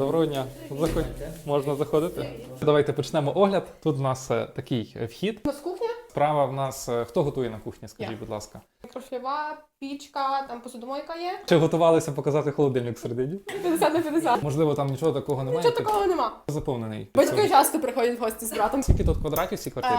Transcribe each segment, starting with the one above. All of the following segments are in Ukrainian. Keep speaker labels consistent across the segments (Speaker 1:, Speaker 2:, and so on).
Speaker 1: Доброго дня. Можна заходити? Давайте почнемо огляд. Тут у нас такий вхід.
Speaker 2: У нас кухня,
Speaker 1: Справа в нас хто готує на кухні, скажіть,
Speaker 2: Я.
Speaker 1: будь ласка.
Speaker 2: мікрохвильова, пічка, там посудомойка є.
Speaker 1: Чи готувалися показати холодильник всередині?
Speaker 2: 50 на 50.
Speaker 1: Можливо, там нічого такого немає.
Speaker 2: Нічого такого нема.
Speaker 1: Заповнений.
Speaker 2: Батьки часто приходять в гості з братом.
Speaker 1: Скільки тут квадратів в цій квартирі?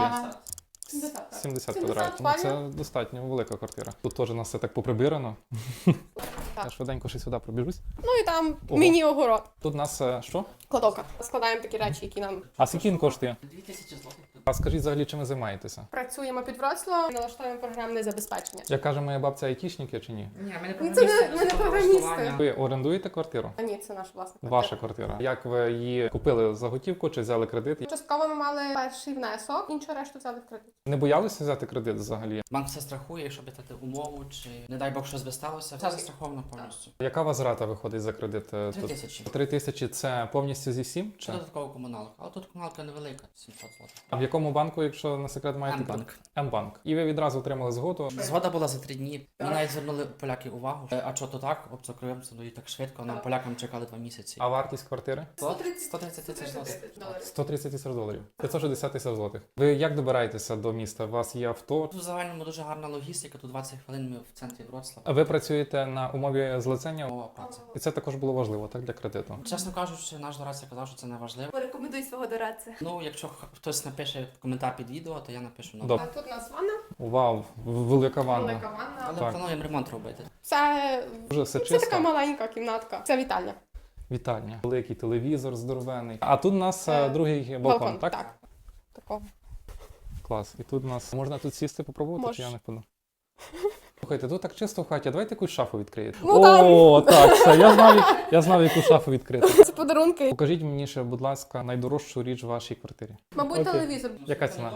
Speaker 2: 70.
Speaker 1: 70
Speaker 2: 70
Speaker 1: квадратів. Ну,
Speaker 2: спальня.
Speaker 1: це достатньо велика квартира. Тут теж у нас все так поприбирано.
Speaker 2: Так.
Speaker 1: Я швиденько ще сюди пробіжусь.
Speaker 2: Ну і там
Speaker 1: Ого.
Speaker 2: міні-огород.
Speaker 1: Тут у нас що?
Speaker 2: Кладовка. Складаємо такі речі, які нам...
Speaker 1: А скільки він коштує?
Speaker 3: 2000 злотих.
Speaker 1: А скажіть взагалі, чим ви займаєтеся?
Speaker 2: Працюємо під Вроцлавом, налаштовуємо програмне забезпечення.
Speaker 1: Як каже моя бабця, айтішники чи ні?
Speaker 3: Ні, ми не
Speaker 2: Ну, це
Speaker 3: програмісти.
Speaker 2: ми не програмісти.
Speaker 1: Ви орендуєте квартиру?
Speaker 2: А ні, це наша власна квартира.
Speaker 1: Ваша квартира. Як ви її купили за готівку чи взяли кредит?
Speaker 2: Частково ми мали перший внесок, іншу решту взяли в кредит.
Speaker 1: Не боялися взяти кредит взагалі?
Speaker 3: Банк все страхує, щоб дати умову, чи не дай Бог щось би сталося. Все застраховано повністю.
Speaker 1: Яка у вас рата виходить за кредит?
Speaker 3: 3000.
Speaker 1: 3 тисячі це повністю зі всім? Чи?
Speaker 3: Це додатково комуналка. Але тут комуналка невелика, 700 злотих.
Speaker 1: А в якому банку, якщо на секрет маєте?
Speaker 3: М-банк.
Speaker 1: М-банк. І ви відразу отримали згоду.
Speaker 3: Згода була за 3 дні. Ми навіть звернули поляки увагу. А що то так? Обцокриваємося, ну і так швидко. Нам полякам чекали 2 місяці.
Speaker 1: А вартість квартири?
Speaker 3: 130 тисяч злотих.
Speaker 1: 130 тисяч доларів. 560 тисяч злотих. Ви як добираєтеся до міста? У вас є авто?
Speaker 3: Тут в загальному дуже гарна логістика. Тут 20 хвилин ми в центрі Вроцлава.
Speaker 1: Ви працюєте на умові злицення?
Speaker 3: Мова праця.
Speaker 1: І це також було важливо, так, для кредиту.
Speaker 3: Чесно кажучи, наш дорадця казав, що це не важливо.
Speaker 4: Порекомендуй свого дорадця.
Speaker 3: Ну, якщо хтось напише коментар під відео, то я напишу на
Speaker 1: Добре.
Speaker 2: А тут у нас ванна,
Speaker 1: Вау, велика ванна.
Speaker 2: велика ванна.
Speaker 3: Але
Speaker 1: Так.
Speaker 3: плануємо ремонт робити.
Speaker 2: Це,
Speaker 1: Дуже все
Speaker 2: це така
Speaker 1: чисто.
Speaker 2: маленька кімнатка. Це вітальня.
Speaker 1: Вітальня. Великий телевізор здоровений. А тут у нас другий балкон, так?
Speaker 2: Такого.
Speaker 1: Клас. І тут у нас можна тут сісти, попробувати,
Speaker 2: Можеш.
Speaker 1: чи я не впаду? Слухайте, тут так чисто в хаті, а давайте якусь шафу відкриєте.
Speaker 2: Ну, там.
Speaker 1: О, так, все, я знав, яку шафу відкрити.
Speaker 2: Це подарунки.
Speaker 1: Покажіть мені ще, будь ласка, найдорожчу річ в вашій квартирі.
Speaker 2: Мабуть,
Speaker 1: Окей.
Speaker 2: телевізор.
Speaker 1: Яка ціна?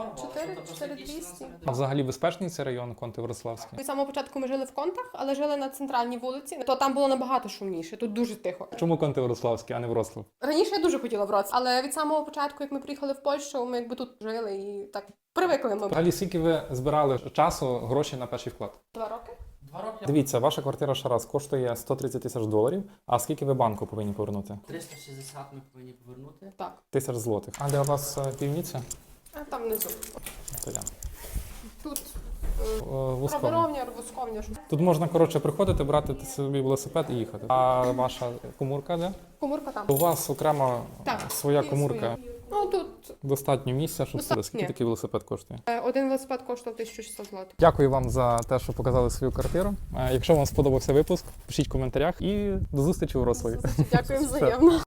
Speaker 2: 4200.
Speaker 1: А взагалі безпечний цей район Конти-Вроцлавський?
Speaker 2: З самого початку ми жили в Контах, але жили на центральній вулиці. То там було набагато шумніше, тут дуже тихо.
Speaker 1: Чому Конти-Вроцлавський, а не Вроцлав?
Speaker 2: Раніше я дуже хотіла Вроцлав, але від самого початку, як ми приїхали в Польщу, ми якби тут жили і так привикли ми.
Speaker 1: Взагалі, скільки ви збирали часу, грошей на перший вклад?
Speaker 2: 2 роки.
Speaker 3: 2 роки.
Speaker 1: Дивіться, ваша квартира ще раз коштує 130 тисяч доларів, а скільки ви банку повинні повернути?
Speaker 3: 360 ми повинні повернути.
Speaker 2: Так.
Speaker 1: Тисяч злотих. А де у вас півніця?
Speaker 2: А там внизу.
Speaker 1: То я.
Speaker 2: Тут
Speaker 1: Вузькому.
Speaker 2: проборовня, восковня.
Speaker 1: Тут можна, коротше, приходити, брати собі велосипед і їхати. А ваша комурка де?
Speaker 2: Комурка там.
Speaker 1: У вас окремо
Speaker 2: Так,
Speaker 1: своя
Speaker 2: є
Speaker 1: комурка.
Speaker 2: своя. Ну тут
Speaker 1: Достатньо місця, щоб
Speaker 2: Достатньо.
Speaker 1: сюди. Скільки такий велосипед коштує?
Speaker 2: один велосипед коштував 1600 злотих.
Speaker 1: Дякую вам за те, що показали свою квартиру. Якщо вам сподобався випуск, пишіть в коментарях і до зустрічі у Вроцлаві.
Speaker 2: Дякую взаємно.